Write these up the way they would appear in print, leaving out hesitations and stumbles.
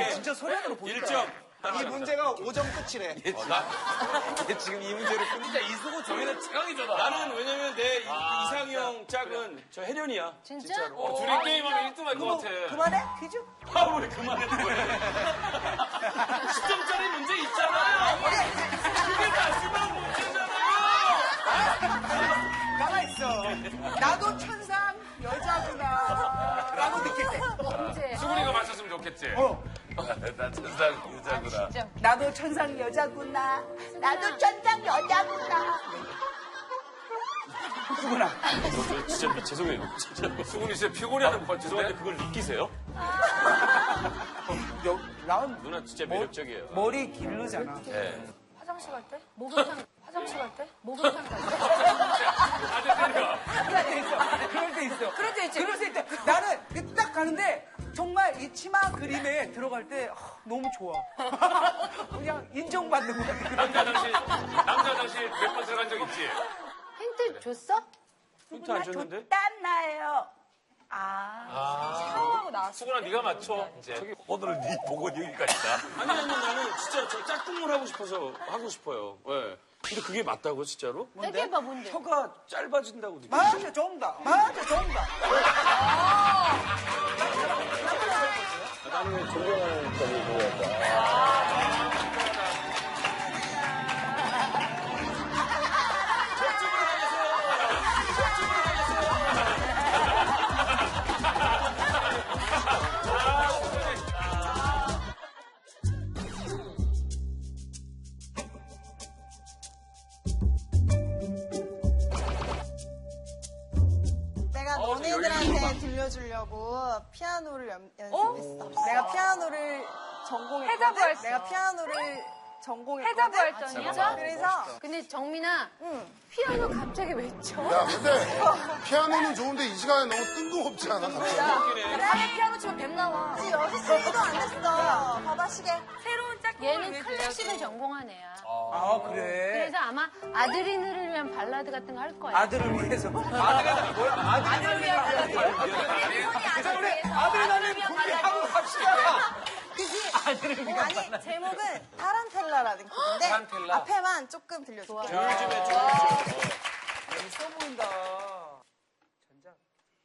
진짜 소련으로 보니까. 1점. 이 문제가 5점 끝이래. 얘 지금 이 문제를 진짜 이수고 저희는 최강이잖아. 나는 왜냐면 내 이상형 짝은 저 혜련이야. 진짜? 진짜로. 둘이 게임하면 1등 할 것 같아. 그만해? 퀴즈? 아, 왜 그만해, 뭐해. 10점짜리 문제 있잖아요. 그게 마지막 문제잖아요. 가만있어. 나도 천상 여자구나. 라고 느낄 때. 언제? 수근이가 맞췄으면 좋겠지. 나 천상 여자구나. 진짜. 나도 천상 여자구나. 나도 천상 여자구나. 수근아. 진짜 죄송해요. 진짜. 수근이 진짜 피곤해하는 것 죄송한데 같은데. 그걸 느끼세요? 난 누나 진짜 매력적이에요. 머리 기르잖아. 네. 화장실 갈 때? 목욕탕, 화장실 갈 때? 목욕탕 갈 때? 아재 때려. 그럴 때 있어. 그럴 때 있지. 그럴 때 있대. 나는 딱 가는데 정말 이 치마 그림에 들어갈 때 너무 좋아. 그냥 인정받는 것 같아. 남자 화장실 몇 번 들어간 적 있지? 힌트 줬어? 힌트 안 줬는데? 땀나요. 샤워하고 나왔어. 수근아 네가 맞춰. 이제 오늘은 네 보고 여기까지다. 아니, 나는 진짜 저 짝꿍을 하고 싶어요. 네. 근데 그게 맞다고, 진짜로? 얘기해봐, 뭔데? 혀가 짧아진다고 느껴. 맞아, 정답. 맞아, 정답. 나는 존경하는 점이 그거였다. 내가 너네들한테 들려주려고 피아노를 연습했어. 내가 피아노를 전공했거든. 해자부 할 내가 피아노를 전공했거든. 해자부 할전이야? 그래서 근데 정민아, 피아노 갑자기 왜 쳐? 야, 근데 피아노는 좋은데 이 시간에 너무 뜬금없지 않아? 밤에 피아노 치면 뱀 나와. 6시도 안 됐어. 봐봐, 시계. 새로운 얘는 클래식을 전공한 애야. 아, 그래. 그래서 아마 아드리누를 위한 발라드 같은 거 할 거야. 아들을 위해서. 아들이 뭐야? 아들을 위한 발라드. 아들을 위한 발라드. 갑시다. 아들을 위한 아니, 발라드. 제목은 타란텔라라는 곡인데 타란텔라. 앞에만 조금 들려줄게. 있어 보인다. 전작.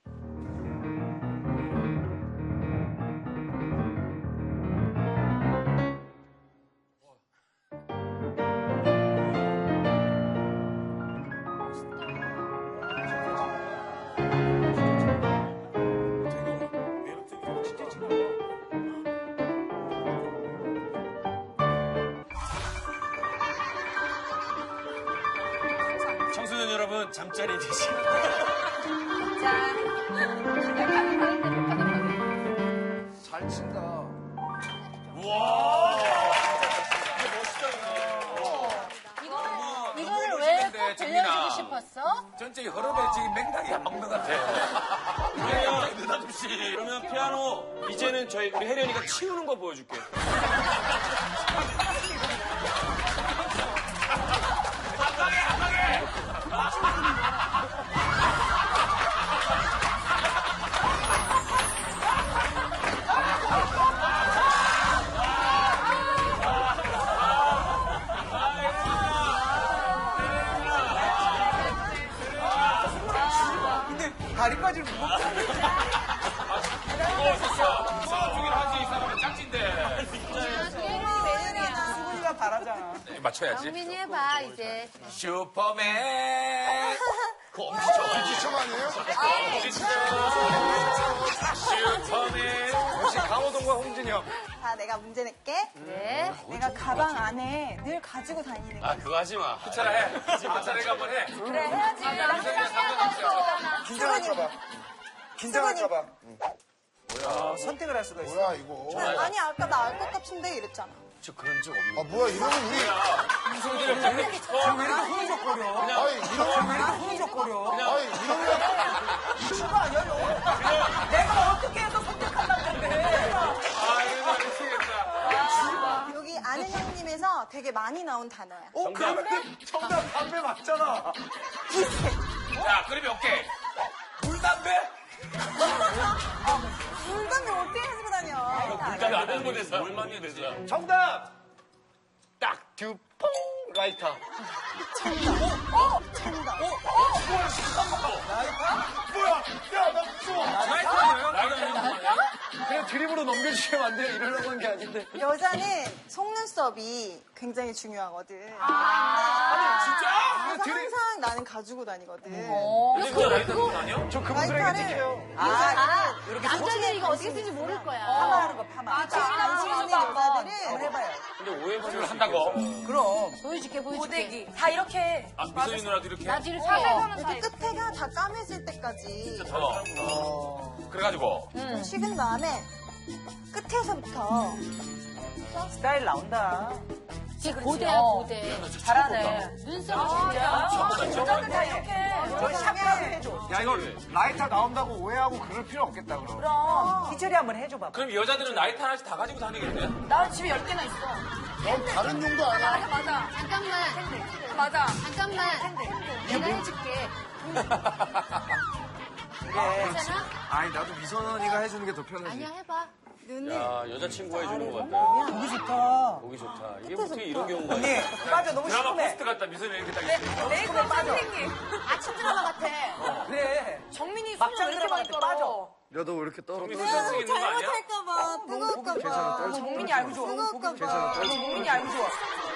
청소년 여러분, 잠자리 되시. 잘 친다. 이거를 왜 꼭 들려주고 싶었어? 전체의 흐름에 지금 맥락이 안 먹는 것 같아. 그러면 피아노, 이제는 우리 혜련이가 치우는 거 보여줄게. 근데 다리까지 무겁다. 주긴 하지, 이 사람은 짝진데. 수근이가 바라잖아. 맞춰야지. 정민이 해봐, 이제. 슈퍼맨. 엄지척 아니에요? 슈퍼맨. 역시 강호동과 홍진영. 자, 내가 문제 낼게. 네. 내가 가방 안에 늘 가지고 다니는 거. 아, 그거 하지 마. 차라 해. 차라리 한번 해. 그래, 해야지. 긴장할까봐. 긴장할까봐. 선택을 할 수가 있어. 뭐야, 이거. 아니, 아까 나 알 것 같은데 이랬잖아. 저 그런 적 없는. 아, 뭐야, 이러면 우리. 왜 이렇게 흐느적거려? 아니, 이러면. 왜 이렇게 흐느적거려? 아니, 이러면. 미친 거 아니야, 너? 내가 어떻게 해서 선택하려고 했는데. 아, 이거 미치겠다. 여기 아는 형님에서 되게 많이 나온 단어야. 그러면 정답 담배 맞잖아. 자, 그림이 오케이. 물담배? 물감이 어떻게 가지고 다녀? 물감이 안 하는 거에서 뭘 많이 해서. 정답! 딱, 듀, 퐁! 라이터. 뭐야? 야, 나 무서워. 그냥 드립으로 넘겨주시면 안 돼요? 이러려고 한 게 아닌데. 여자는 속눈썹이 굉장히 중요하거든. 진짜? 그래서 항상 나는 가지고 다니거든. 진짜 라이터 들고 다녀? 저 그분들에게 라이터를 찍혀요. 남자들이 이거 어떻게 쓰는지 모를 거야. 파마하는 거, 파마. 관심 있는 여자들은 해봐요. 근데 오해받을 한다고? 그럼. 보여줄게. 고데기. 다 이렇게. 아, 미소인 누나도 이렇게? 나도 이렇게. 이렇게 끝에가 다 까매질 때까지 그래가지고. 식은 다음에 끝에서부터 스타일 나온다. 지금 고대야, 고대. 잘하네. 눈썹 진짜. 여자들 다 이렇게. 저 샵이라도 해줘. 야, 이거 라이터 나온다고 오해하고 그럴 필요 없겠다, 그럼. 그럼. 희철이 한번 해줘 봐봐. 그럼 여자들은 라이터 하나씩 다 가지고 다니겠네? 나 집에 10개나 있어. 넌 다른 용도 아니야. 맞아. 잠깐만. 맞아. 잠깐만. 내가 해줄게. 괜찮아? 아니, 나도 미선언니가 해주는 게 더 편하지. 아니야, 해봐. 눈을 야, 여자친구가 해주는 것 같다. 보기 좋다. 보기 좋다. 이게 어떻게 이런 경우가 언니, 있어? 빠져. 너무 드라마 시큼해. 포스트 같다, 미소인 이렇게 딱 있어. 메이크업 선생님. 아침 드라마 같아. 그래. 정민이 막장 손을 왜 이렇게 많이 들어가는데 떨어? 야, 너 왜 이렇게 떨어? 정민 선생 있는 거 아니야? 잘못할까봐 뜨거울까봐 정민이 알고 좋아. 뜨거울까봐 정민이 알고 좋아.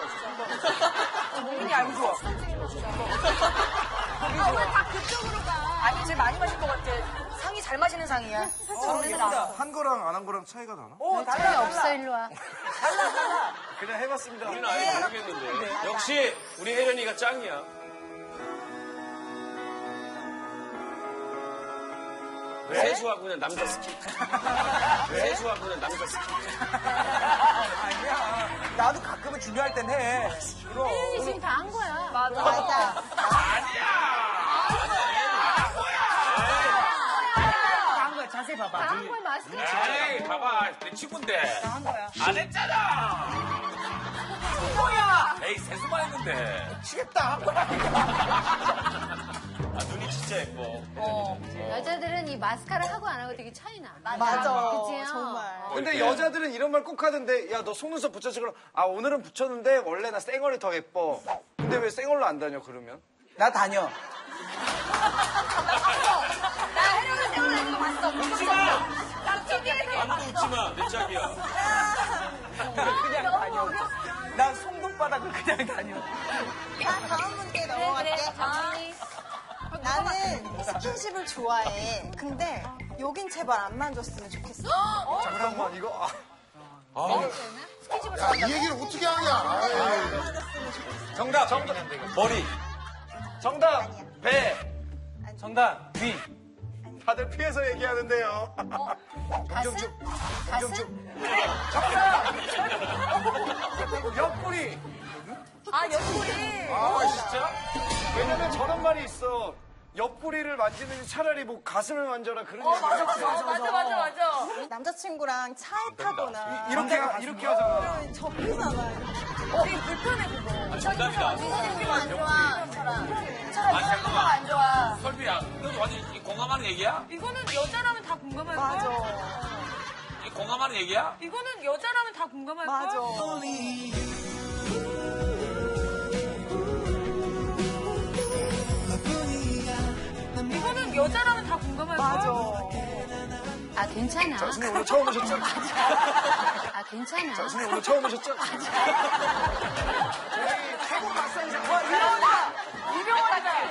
정민이 알고 좋아. 아, 왜 다 그쪽으로 가? 아니, 제일 많이 마실 것 같아. 상이 잘 마시는 상이야. 정민아. 한 거랑 안 한 거랑 차이가 나나? 오, 차이 달라, 없어, 달라. 일로 와. 그냥 해봤습니다. 우리는 아예 모르겠는데. 역시 우리 혜련이가 짱이야. 세수하고 그냥 남자 스킨. 세수하고 그냥 남자 스킨. 아니야. 나도 가끔은 중요할 땐 해. 그럼. 혜연이 지금 다 한 거야. 맞아. 맞아 다 한 거야. 자세히 봐봐. 다 한 거야, 마스크. 에이, 봐봐. 내 친구인데. 다 한 거야. 안 했잖아. 뭐야? 에이, 세수만 했는데. 치겠다. 아, 눈이 진짜 예뻐. 여자들은 이 마스카라 하고 안 하고 되게 차이 나. 맞아 그치요? 정말 근데 여자들은 이런 말 꼭 하던데, 야, 너 속눈썹 붙였지? 그럼, 아, 오늘은 붙였는데, 원래 나 쌩얼이 더 예뻐. 근데 왜 쌩얼로 안 다녀, 그러면? 나 다녀. 나 혜령이 생각나는 거 봤어. 웃지 마. 나 TV에서 아무도 웃지 마. 내 짝이야. 그냥 다녀. 난 송동바닥을 그냥 다녀. 자 다음 문제 넘어갈게 천천히. 나는 스킨십을 좋아해 근데 여긴 제발 안 만졌으면 좋겠어 잠깐만, 이거, 아. 야, 이 얘기를 어떻게 하냐. 아이. 정답, 머리. 정답, 배. 정답, 귀. 다들 피해서 얘기하는데요. 가슴? 가슴? 옆구리. 아, 옆구리. 아, 진짜? 왜냐면 저런 말이 있어. 옆구리를 만지는지 차라리 뭐 가슴을 만져라 그런 얘기. 맞아, 맞아. 남자친구랑 차에 타거나 이렇게 하잖아. 그러면 접히잖아 되게 불편해, 그거. 정답이다. 안 좋아. 아니, 잠깐만. 안 좋아. 설비야, 너 완전 공감하는 얘기야? 이거는 여자라면 다 공감할 맞아 거야. 이 공감하는 얘기야? 이거는 여자라면 다 공감할 거야. 맞아 이거는 여자라면 다 공감할 거야. 맞아 아, 괜찮아. 선생님 오늘 처음 오셨죠? 아, 괜찮아. 선생님 오늘 처음 오셨죠? 유명하다.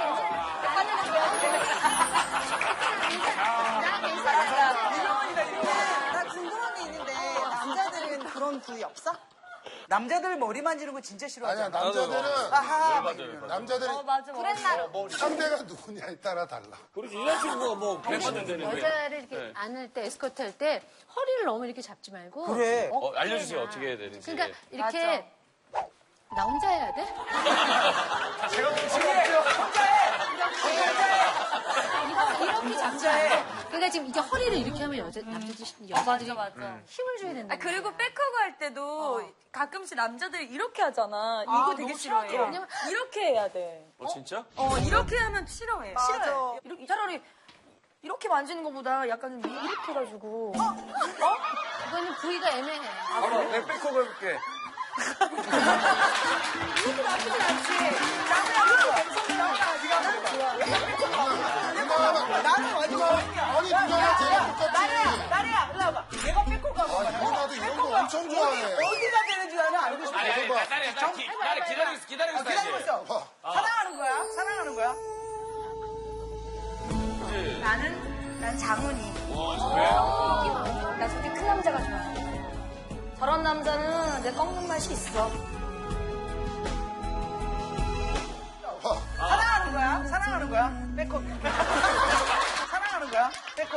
나 괜찮아. 나 궁금한 게 있는데 남자들은 그런 부위 없어? 남자들 머리 만지는 거 진짜 아니야, 싫어하잖아. 남자들은, 아하. 남자들은 맞아. 상대가 누구냐에 따라 달라. 그렇지. 여자친구가 뭐, 배만면 되는데. 여자를 이렇게 안을 때, 에스코트 할 때, 허리를 너무 이렇게 잡지 말고. 그래. 알려주세요. 어떻게 해야 되는지. 그러니까 이렇게 나 혼자 해야 돼? 제가 볼 수가 없죠. 이렇게 잡지 말고. 그러니까 지금 이게 허리를 이렇게 하면 여자들이 맞아. 힘을 줘야 된다. 그리고 백허그 할 때도 가끔씩 남자들이 이렇게 하잖아. 이거 되게 싫어해. 왜냐면- 이렇게 해야 돼. 진짜? 이렇게 하면 싫어해. 맞아. 싫어해. 이렇게 차라리 이렇게 만지는 것보다 약간 이렇게 해가지고. 그거는 부위가 애매해. 바로 내 백허그 해볼게. 이것도 나쁘진 않지. 나는 이거 괜찮다. 네가 하는 거야. 나는 완전 아니 누나가 제가 똑같지. 나래야, 일로 와봐. 내가 빼꼼가 봐. 누나도 이런 거 엄청 좋아해. 어디가 되는지 나는 알고 싶어. 아니, 나를 기다리고 있어. 기다리고 있어. 사랑하는 거야? 사랑하는 거야? 난 장훈이. 나 저렇게 큰 남자가 좋아. 저런 남자는 내 꺾는 맛이 있어. 사랑하는 거야? 사랑하는 거야? 빼꼼. 사랑하는 거야? 빼꼼.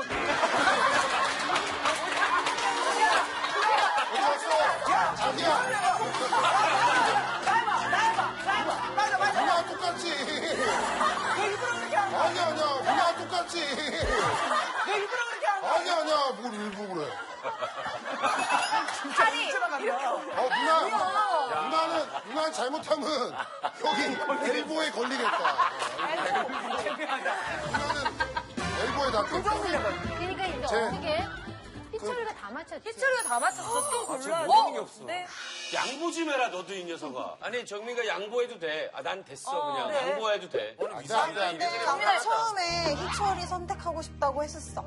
자기야 맞아, 맞아. 누나 똑같지. 왜 일부러 그렇게 한 거야? 아니야 누나 똑같지. 왜 일부러 그렇게 한 거야? 아니야 뭘 일부러 그래. 아니, 누나는 잘못하면 여기 엘보에 걸리겠다. 누나는 엘보에 닿겠다. 그러니까 이제 제- 어떻게 희철이가 다 맞췄지. 희철이가 다 맞췄어. 또 골라. 모르는 게 없어. 네. 양보 좀 해라, 너도 이 녀석아. 아니, 정민이가 양보해도 돼. 아, 난 됐어, 그냥. 네. 양보해도 돼. 안돼. 근데 처음에 희철이 선택하고 싶다고 했었어.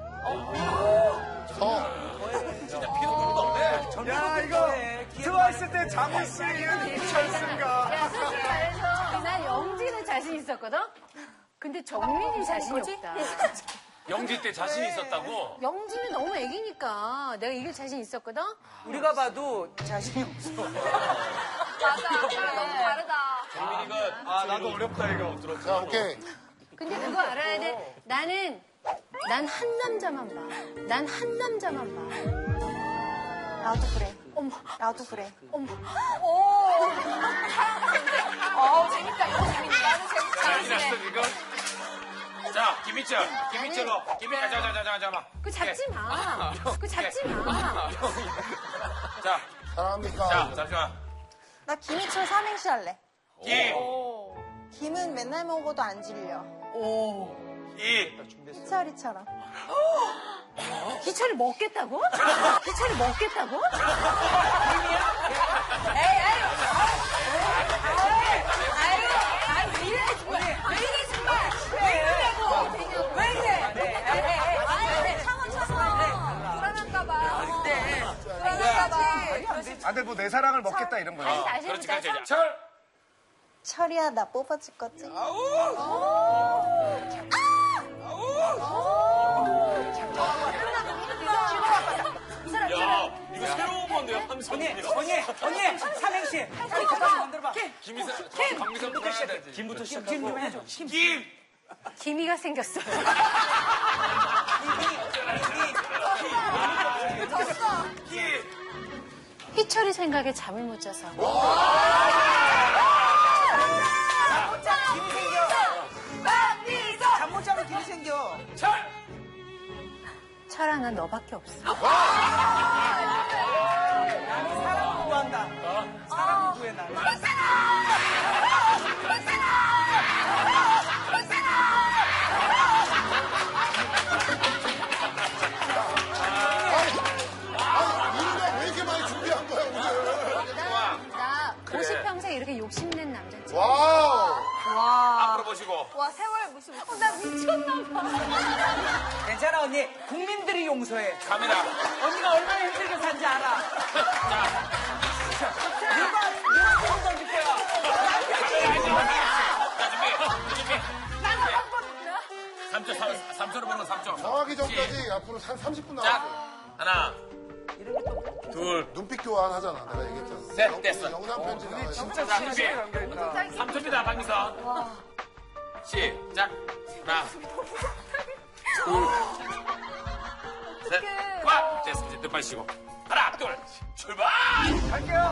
야, 이거 트와이스 때 장훈 씨는 희철씨인가? 야, 솔직히 말해서 난 영지는 자신 있었거든? 근데 정민이 자신이 없다. 영지 때 자신 있었다고? 영지는 너무 애기니까 내가 이길 자신 있었거든? 우리가 봐도 자신이 없어. 맞아. 너무 다르다. 정민이가. 아, 나도 어렵다, 이거. 자 오케이. 근데 그거 알아야 돼. 난 한 남자만 봐. 난 한 남자만 봐. 나도 그래. 어머, 나도 그래. 어머. 재밌다. 이거 재밌다. 나도 자신 재밌다. 났어, 지금? 자, 김희철. 잠깐만. 그 잡지 마. 그 잡지 마. 자, 사랑합니까? 잠시만. 나 김희철 삼행시 할래. 김, 김은 맨날 먹어도 안 질려. 이, 희철이처럼. 희철이 먹겠다고? 희철이 먹겠다고? 왜 이래, 정말. 왜 이러냐고. 왜 이래. 참아. 불안할까봐. 불안할까봐. 아, 근데 뭐 내 사랑을 먹겠다 이런 거야. 다시 그렇지, 해보자. 그렇지. 철, 철이야, 나 뽑아줄 거지? 야, 이거 새로운 건데요, 함성이. 언니, 삼행시. 잠깐만 만들어봐. 박미선부터 해야 되지. 김부터 김 시작하고. 좀 해줘. 김, 기미가 생겼어. 희철이 생각에 잠을 못 자서. 김이 생겨. 잠 못 자면 김이 생겨. 철아, 난 너밖에 없어. 나는 사랑을 구한다. 사랑을 구해, 나는. 아니 누나 왜 이렇게 많이 준비한 거야 오늘? 나 50평생 이렇게 욕심낸 남자지. 와우. 앞으로 보시고. 와, 세월 무시. 나 미쳤나봐. 괜찮아, 언니. 국민들이 용서해. 카메라. 언니가 얼마나 힘들게 산지 알아. 누가 돈 던질 거야? 자, 준비. 3초로 보는 거 3초. 정하기 전까지 앞으로 한 30분 자, 남았어. 하나, 둘, 눈빛 교환하잖아. 내가 얘기했잖아. 셋, 됐어. 영상 편지 나와요. 자, 준비. 3초입니다, 박미선. 시작. 하나, 둘, 셋, 꽉! 됐어, 이제 뜻 빠지시고. 하나, 둘, 출발! 갈게요.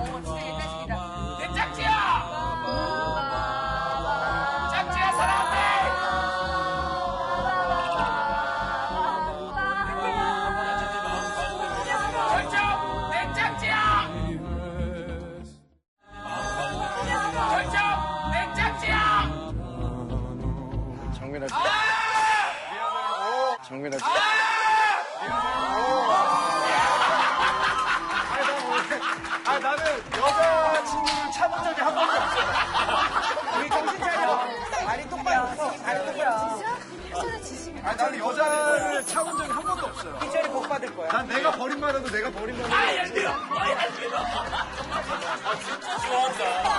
내 짝지야! 짝지야, 사랑한대! 결정! 내 짝지야! 결정! 내 짝지야! 정민아. 아니, 나는 여자를 차본 적이 한 번도 없어요. 희철이 복 받을 거야. 난 내가 버림받아도 내가 버림받아도. 좋아한다.